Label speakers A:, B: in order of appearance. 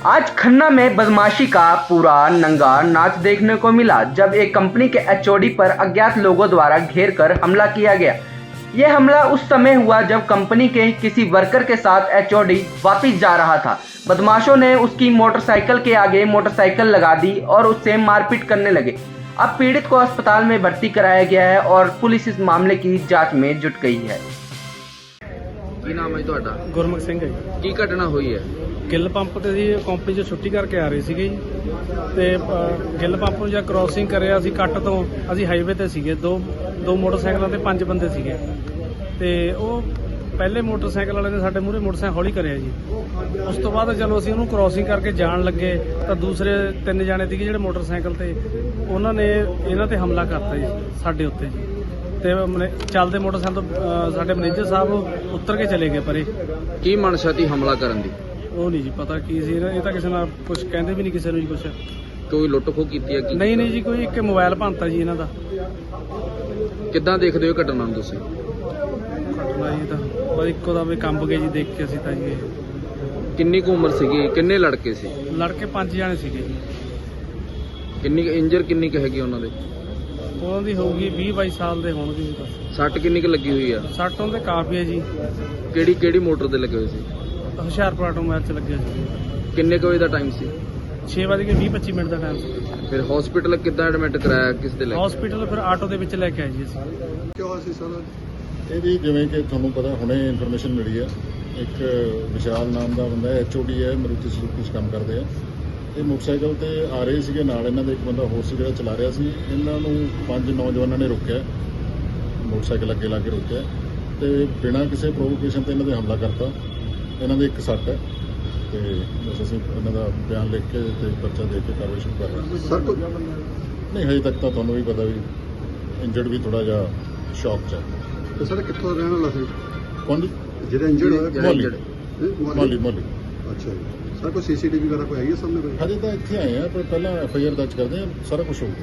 A: आज खन्ना में बदमाशी का पूरा नंगा नाच देखने को मिला जब एक कंपनी के एचओडी पर अज्ञात लोगों द्वारा घेर कर हमला किया गया। यह हमला उस समय हुआ जब कंपनी के किसी वर्कर के साथ एचओडी वापस जा रहा था। बदमाशों ने उसकी मोटरसाइकिल के आगे मोटरसाइकिल लगा दी और उससे मारपीट करने लगे। अब पीड़ित को अस्पताल में भर्ती कराया गया है और पुलिस इस मामले की जांच में जुट गई है।
B: ਕੀ ਨਾਮ ਹੈ ਤੁਹਾਡਾ?
C: ਗੁਰਮੁਖ ਸਿੰਘ ਹੈ ਜੀ।
B: ਕੀ ਘਟਨਾ ਹੋਈ ਹੈ?
C: ਗਿੱਲ ਪੰਪ ਤੇ ਜੀ ਕੰਪਨੀ 'ਚ ਛੁੱਟੀ ਕਰਕੇ ਆ ਰਹੇ ਸੀਗੇ ਜੀ ਤੇ ਗਿੱਲ ਪੰਪ ਨੂੰ ਜਾਂ ਕ੍ਰਾਸਿੰਗ ਕਰਿਆ ਅਸੀਂ ਕੱਟ ਤੋਂ ਅਸੀਂ ਹਾਈਵੇ ਤੇ ਸੀਗੇ ਦੋ ਮੋਟਰਸਾਈਕਲਾਂ ਤੇ 5 ਬੰਦੇ ਸੀਗੇ ਤੇ ਉਹ ਪਹਿਲੇ ਮੋਟਰਸਾਈਕਲ ਵਾਲੇ ਨੇ ਸਾਡੇ ਮੂਹਰੇ ਮੋਟਰਸਾਈਕਲ ਹੌਲੀ ਕਰਿਆ ਜੀ। ਉਸ ਤੋਂ ਬਾਅਦ ਚਲੋ ਅਸੀਂ ਉਹਨੂੰ ਕ੍ਰਾਸਿੰਗ ਕਰਕੇ ਜਾਣ ਲੱਗੇ ਤਾਂ ਦੂਸਰੇ 3 ਜਾਣੇ ਸੀਗੇ ਜਿਹੜੇ ਮੋਟਰਸਾਈਕਲ ਤੇ ਉਹਨਾਂ ਨੇ ਇਹਨਾਂ ਤੇ ਹਮਲਾ ਕਰਤਾ ਜੀ ਸਾਡੇ ਉੱਤੇ ਜੀ ਤੇ ਚੱਲਦੇ ਮੋਟਰਸਾਈਕਲ ਤੋਂ ਸਾਡੇ ਮੈਨੇਜਰ ਸਾਹਿਬ ਉੱਤਰ ਕੇ ਚਲੇ ਗਏ ਪਰੇ।
B: ਕੀ ਮਨਸ਼ਾ ਸੀ ਹਮਲਾ ਕਰਨ ਦੀ?
C: ਉਹ ਨਹੀਂ ਜੀ ਪਤਾ ਕੀ ਸੀ ਇਹ ਤਾਂ ਕਿਸੇ ਨਾਲ ਕੁਝ ਕਹਿੰਦੇ ਵੀ ਨਹੀਂ ਕਿਸੇ ਨੂੰ ਜੀ ਕੁਝ।
B: ਕੋਈ ਲੁੱਟ ਖੋਹ ਕੀਤੀ ਹੈ ਕੀ?
C: ਨਹੀਂ ਜੀ ਕੋਈ ਇੱਕ ਮੋਬਾਈਲ ਭੰਨਤਾ ਜੀ ਇਹਨਾਂ ਦਾ।
B: ਕਿੱਦਾਂ ਦੇਖਦੇ ਹੋ ਘਟਨਾ ਨੂੰ ਤੁਸੀਂ?
C: ਘਟਨਾ ਜੀ ਤਾਂ ਬਸ ਇੱਕੋ ਦਾ ਵੀ ਕੰਬ ਗਏ ਜੀ ਦੇਖ ਕੇ ਅਸੀਂ ਤਾਂ ਜੀ।
B: ਕਿੰਨੀ ਕੁ ਉਮਰ ਸੀਗੀ? ਕਿੰਨੇ ਲੜਕੇ ਸੀ?
C: ਲੜਕੇ 5 ਜਾਣੇ ਸੀਗੇ ਜੀ।
B: ਕਿੰਨੀ ਇੰਜਰ ਕਿੰਨੀ ਕੁ ਹੈਗੀ ਉਹਨਾਂ ਦੇ?
C: ਉਹਨਾਂ ਦੀ ਹੋਊਗੀ 20-22 ਸਾਲ ਦੇ ਹੋਣਗੇ ਜੀ ਬਸ।
B: ਸੱਟ ਕਿੰਨੀ ਕੁ ਲੱਗੀ ਹੋਈ ਆ?
C: ਸੱਟ ਉਹਦੇ ਕਾਫੀ ਹੈ ਜੀ।
B: ਕਿਹੜੀ ਮੋਟਰ ਤੇ ਲੱਗੇ ਹੋਏ ਸੀ?
C: ਹੁਸ਼ਿਆਰਪੁਰ ਆਟੋਮੋਬਾਈਲ 'ਚ ਲੱਗਿਆ ਸੀ।
B: ਕਿੰਨੇ ਕੁ ਵਜੇ ਦਾ ਟਾਈਮ ਸੀ?
C: 6:20-25 ਮਿੰਟ ਦਾ ਟਾਈਮ ਸੀ।
B: ਫਿਰ ਹਸਪੀਟਲ ਕਿੱਦਾਂ ਐਡਮਿਟ ਕਰਾਇਆ? ਕਿਸ ਦੇ ਲੈ ਕੇ?
C: ਹਸਪੀਟਲ ਫਿਰ ਆਟੋ ਦੇ ਵਿੱਚ ਲੈ ਕੇ ਆਏ ਜੀ ਅਸੀਂ।
D: ਕਿਉਂ ਸੀ ਸਰ? ਇਹ ਵੀ ਜਿਵੇਂ ਕਿ ਤੁਹਾਨੂੰ ਪਤਾ ਹੁਣੇ ਇਨਫੋਰਮੇਸ਼ਨ ਮਿਲੀ ਹੈ, ਇੱਕ ਵਿਸ਼ਾਲ ਨਾਮ ਦਾ ਬੰਦਾ ਐਚਓਡੀ ਹੈ, ਮਾਰੂਤੀ ਸੁਜ਼ੂਕੀ 'ਚ ਕੰਮ ਕਰਦੇ ਆ। ਇਹ ਮੋਟਰਸਾਈਕਲ ਤੇ ਆ ਰਹੇ ਸੀਗੇ, ਨਾਲ ਇਹਨਾਂ ਦਾ ਇੱਕ ਬੰਦਾ ਹੋਰ ਸੀ ਜਿਹੜਾ ਚਲਾ ਰਿਹਾ ਸੀ। ਇਹਨਾਂ ਨੂੰ 5 ਨੌਜਵਾਨਾਂ ਨੇ ਰੋਕਿਆ, ਮੋਟਰਸਾਈਕਲ ਅੱਗੇ ਲਾ ਕੇ ਰੋਕਿਆ ਤੇ ਬਿਨਾਂ ਕਿਸੇ ਪ੍ਰੋਵੋਕੇਸ਼ਨ ਤੇ ਇਹਨਾਂ ਦੇ ਹਮਲਾ ਕਰਤਾ। ਇਹਨਾਂ ਦੇ ਇੱਕ ਸੱਟ ਹੈ ਤੇ ਬਸ ਅਸੀਂ ਇਹਨਾਂ ਦਾ ਬਿਆਨ ਲਿਖ ਕੇ ਤੇ ਪਰਚਾ ਦੇ ਕੇ ਕਾਰਵਾਈ ਸ਼ੁਰੂ ਕਰ ਰਹੇ ਹਾਂ। ਸਰ ਨਹੀਂ ਹਜੇ ਤੱਕ ਤਾਂ ਤੁਹਾਨੂੰ ਵੀ ਪਤਾ ਵੀ ਇੰਜਰਡ ਵੀ ਥੋੜਾ ਜਿਹਾ ਸ਼ੌਕ 'ਚ ਹੈ। ਤੇ ਸਰ ਕਿੱਥੋਂ ਦਾ ਰਹਿਣ ਵਾਲਾ ਸੀ? ਕੌਣ ਜੀ? ਜਿਹੜਾ ਇੰਜਰਡ ਹੋਇਆ? ਮੋਲੀ। ਅੱਛਾ ਜੀ। ਸਰ ਕੋਈ ਸੀਸੀਟੀਵੀ ਵਗੈਰਾ ਕੋਈ ਆਈ ਹੈ ਸਾਹਮਣੇ? ਹਜੇ ਤਾਂ ਇੱਥੇ ਆਏ ਆ, ਪਰ ਪਹਿਲਾਂ ਐਫਆਈਆਰ ਦਰਜ ਕਰਦੇ ਆ, ਸਾਰਾ ਕੁਝ ਹੋਊਗਾ।